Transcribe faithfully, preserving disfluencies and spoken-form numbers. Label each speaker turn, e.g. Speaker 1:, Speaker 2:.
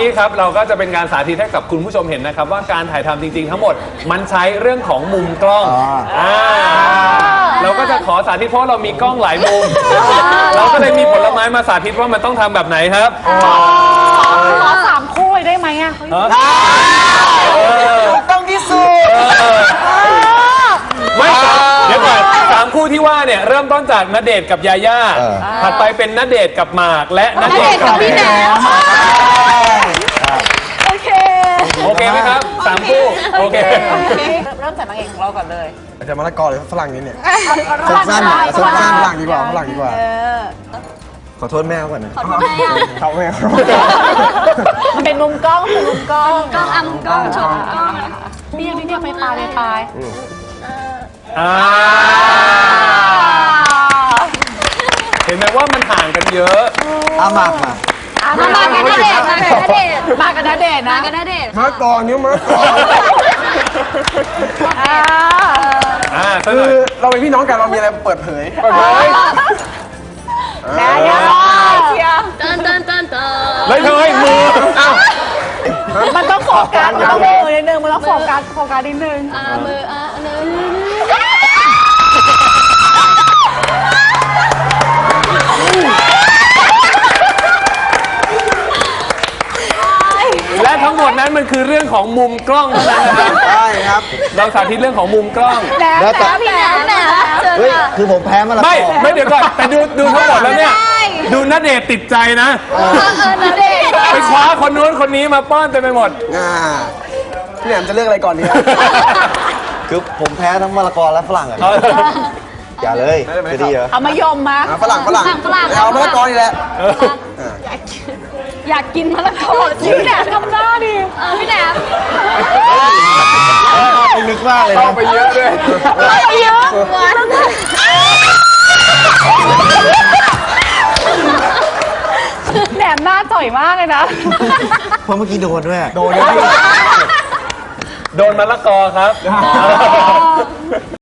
Speaker 1: ครับเราก็จะเป็นการสาธิตให้กับคุณผู้ชมเห็นนะครับว่าการถ่ายทำจริงๆทั้งหมดมันใช้เรื่องของมุมกล้องอ่าเราก็จะขอสาธิตเพราะเรามีกล้องหลายมุมเราก็เลยมีผลไม้มาสาธิตว่ามันต้องทำแบบไหนครับ
Speaker 2: ขอสามคู่ได้ไหมอ่ะ
Speaker 3: ต้องที่สุด
Speaker 1: ไม่เดี๋ยวก่อนสามคู่ที่ว่าเนี่ยเริ่มต้นจากณเดชน์กับยาย่าถัดไปเป็นณเดชน์กับหมากและณเดชน์กับพี่แหนม
Speaker 2: โอเค
Speaker 1: โอเคไหมครับสามคู่โอเค
Speaker 2: เริ่มจากนางเอกของเราก่อนเลย
Speaker 3: จะมะละกอหรือฝรั่งนี้เนี่ยสั้นๆสั้นๆฝรั่งดีกว่าฝรั่งดีกว่าขอโทษแม่ก่อนนะขอโทษแม่เขาแม่
Speaker 2: มันเป็นมุมกล้องเป็นมุมกล้อง
Speaker 4: กล้องอ่ะมุมกล้องชมกล้อง
Speaker 2: นี่นี่นี่ไปปลายไปปลาย
Speaker 1: เห็นไหมว่ามันห่างกันเยอะ
Speaker 3: อาหมากมา
Speaker 4: มากันณเดชน์มากันณเดชน์
Speaker 2: มากันณเดชน์นะ
Speaker 4: มากันณเดชน์
Speaker 3: มะละกอนิ้วมะละกอ
Speaker 1: อ่า
Speaker 3: คือเราเป็นพี่น้องกันเรามีอะไรเปิดเผยเปิดเผย
Speaker 2: แม่ยังเชียร์
Speaker 4: เตินเตินเตินเติน
Speaker 1: เลยเลยมือ
Speaker 2: มันต้องโฟกัสมันต้องมือนิดนึงมันต้องโฟกัสโฟกัสนิดนึง
Speaker 4: อ่ามืออ่าเนื้อ
Speaker 1: และทั้งหมดนั้นมันคือเรื่องของมุมกล้องเท่านั้นนะครับ
Speaker 3: ใช่ครับ
Speaker 1: เราสาธิตเรื่องของมุมกล้อง
Speaker 2: แล้วแต่
Speaker 4: พี่แหนมแหนม
Speaker 3: เฮ้ยคือผมแพ้มาแล้ว
Speaker 1: ไม่ไม่เดี๋ยวก่อนแต่ดูดูทั้งหมดแล้วเนี่ยดูณเดชน์ติดใจนะไปคว้าคนนู้นคนนี้มาป้อนเต็มไปหมด
Speaker 3: อ่าพี่แหนมจะเลือกอะไรก่อนดีคือผมแพ้ทั้งมะละกอและฝรั่งอะอย่าเลยจะดีเหรอ
Speaker 2: เอามายมมา
Speaker 3: ฝรั่งฝรั่งเอามะละกอนี่แหละ
Speaker 2: อยากกินมะละกอพี่แหนมทำหน้าดิ
Speaker 4: เออพี่แหนม
Speaker 3: นึกมากเลย
Speaker 1: เข้าไปเยอะเลย
Speaker 2: เข้าไปเยอะแหนมหน้าจ่อยมากเลยนะ
Speaker 3: เพราะเมื่อกี้โดนด้วย
Speaker 1: โดนโดนมะละกอครับ